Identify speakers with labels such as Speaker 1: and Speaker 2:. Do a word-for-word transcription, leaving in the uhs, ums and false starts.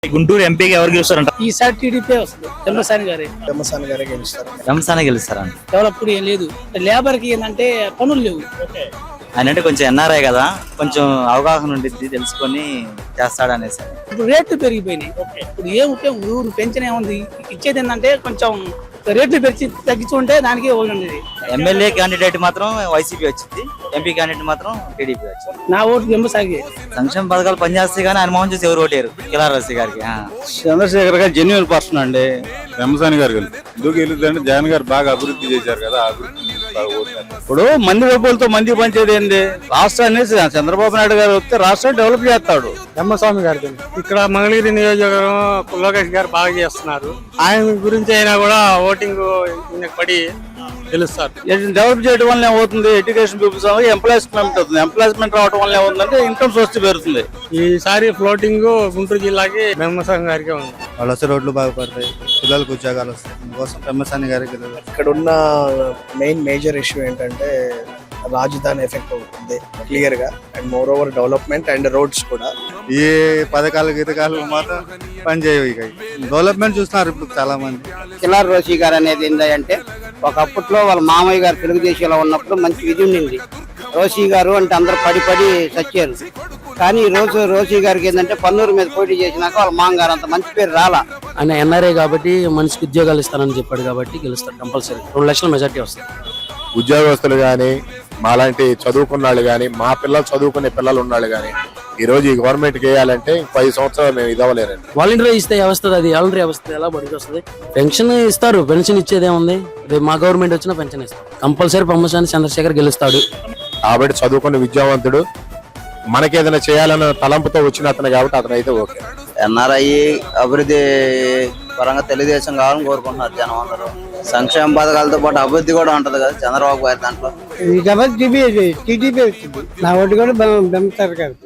Speaker 1: గుంటూరు ఎంపీకి ఎవరు గెలుస్తారంట?
Speaker 2: ఈసారి టీడీపీ వస్తుంది. పెమ్మసాని గారే
Speaker 3: పెమ్మసాని గారే గెలుస్తారు.
Speaker 4: పెమ్మసాని గెలుస్తారంట.
Speaker 2: డెవలప్ ఏం లేదు, లేబర్ కి ఏంటంటే పనులు లేవు.
Speaker 4: ఆయన అంటే కొంచెం ఎన్ఆర్ఐ కదా, కొంచెం అవగాహన ఉండిద్ది, తెలుసుకొని చేస్తాడు అనేసి.
Speaker 2: ఇప్పుడు రేట్లు పెరిగిపోయినాయి. ఇప్పుడు ఏం ఉపయోగం, ఊరు పెంచిన ఏముంది, ఇచ్చేది ఏంటంటే కొంచెం రేట్లు పెంచి తగ్గించుకుంటే దానికి ఉండేది.
Speaker 4: ఎమ్మెల్యే క్యాండిడేట్ మాత్రం వైసీపీ వచ్చింది, ఎంపీ క్యాండిడేట్ మాత్రం టీడీపీ వచ్చింది.
Speaker 2: నా ఓటు పెమ్మసాగి.
Speaker 4: సంక్షేమ పథకాలు పనిచేస్తాయి కానీ ఆయన మోహన్ చూసి ఎవరు ఓటేరు. కిలారసి గారికి
Speaker 5: చంద్రశేఖర్ గారు జెన్యున్ పర్సన్ అండి. పెమ్మసాని గారు ఎందుకు గెలుద్దంటే జగన్ గారు బాగా అభివృద్ధి చేశారు కదా, అభివృద్ధి ఇప్పుడు మంది డబ్బులతో మంది పంచేది ఏంది? రాష్ట్రాన్ని చంద్రబాబు నాయుడు గారు వస్తే రాష్ట్రాన్ని డెవలప్ చేస్తాడు.
Speaker 3: పెమ్మస్వామి గారు ఇక్కడ మంగళగిరి నియోజకవర్గం లోకేష్ గారు బాగా చేస్తున్నారు. ఆయన గురించి అయినా కూడా ఓటింగ్ పడి గెలుస్తారు.
Speaker 5: డెవలప్ చేయడం వల్ల ఏమవుతుంది? ఎడ్యుకేషన్ పీపుల్స్ ఎంప్లాయ్మెంట్ అవుతుంది. ఎంప్లాయ్మెంట్ రావడం వల్ల ఏమవుతుందంటే ఇన్కమ్ సోర్స్ పెరుగుతుంది.
Speaker 3: ఈసారి ఫ్లోటింగ్ గుంటూరు జిల్లాకి పెమ్మస్వామి గారికి ఉంది.
Speaker 5: వాళ్ళు వస్తే రోడ్లు బాగుపడతాయి, పిల్లలకు ఉద్యోగాలు వస్తాయి. అందుకోసం పెమ్మసాని గారికి.
Speaker 3: ఇక్కడ ఉన్న మెయిన్ మేజర్ ఇష్యూ ఏంటంటే రాజధాని ఎఫెక్ట్ అవుతుంది క్లియర్ గా, and more over development and roads కూడా.
Speaker 5: ఈ పథకాలు గీతకాలు మాత్రం పనిచేయవు. ఇక డెవలప్మెంట్ చూస్తున్నారు ఇప్పుడు చాలా మంది.
Speaker 6: కిలార్ రోషి గారు అనేది ఏంటంటే ఒకప్పట్లో వాళ్ళ మామయ్య గారు తెలుగుదేశంలో ఉన్నప్పుడు మంచి విధి ఉండింది. రోషి గారు అంటే అందరూ పడి పడి చచ్చారు. కానీ ఈ రోజు రోషి గారికి ఏంటంటే పన్నూరు మీద పోటీ చేసినాక వాళ్ళ మామగారు అంత మంచి పేరు రాలా.
Speaker 2: ఆయన ఎన్ఆర్ఐ కాబట్టి మనిషికి ఉద్యోగాలు ఇస్తానని చెప్పాడు కాబట్టి గెలుస్తాడు కంపల్సరీ. రెండు లక్షల మెజార్టీ వస్తుంది.
Speaker 7: ఉద్యోగస్తులు కానీ, మాలాంటి చదువుకున్న వాళ్ళు కానీ, మా పిల్లలు చదువుకునే పిల్లలు ఉన్నాళ్ళు కానీ ఈ రోజు ఈ గవర్నమెంట్ వేయాలంటే పది సంవత్సరాలు మేము ఇదవ్వలేరండి.
Speaker 2: వాలంటీర్ ఇస్తే వస్తుంది, అది వాలంటీర్ వ్యవస్థ ఎలా బడికి వస్తుంది? పెన్షన్ ఇస్తారు, పెన్షన్ ఇచ్చేది ఏముంది? రేపు మా గవర్నమెంట్ వచ్చినా పెన్షన్ ఇస్తారు. కంపల్సరీ పెమ్మసాని చంద్రశేఖర్ గెలుస్తాడు.
Speaker 7: కాబట్టి చదువుకున్న విద్యావంతుడు, మనకేదైనా చేయాలన్న తలంపుతో వచ్చిన అతను కాబట్టి అతను అయితే ఓకే.
Speaker 4: ఎన్ఆర్ఐ అభివృద్ధి పరంగా తెలుగుదేశం కావాలని కోరుకుంటున్నారు జనం అందరూ. సంక్షేమ పథకాలతో పాటు అభివృద్ధి కూడా ఉంటది కదా చంద్రబాబు గారి దాంట్లో.
Speaker 6: టీడీపీ వచ్చింది. నా ఓటు కూడా బెమ్మసాని గారు.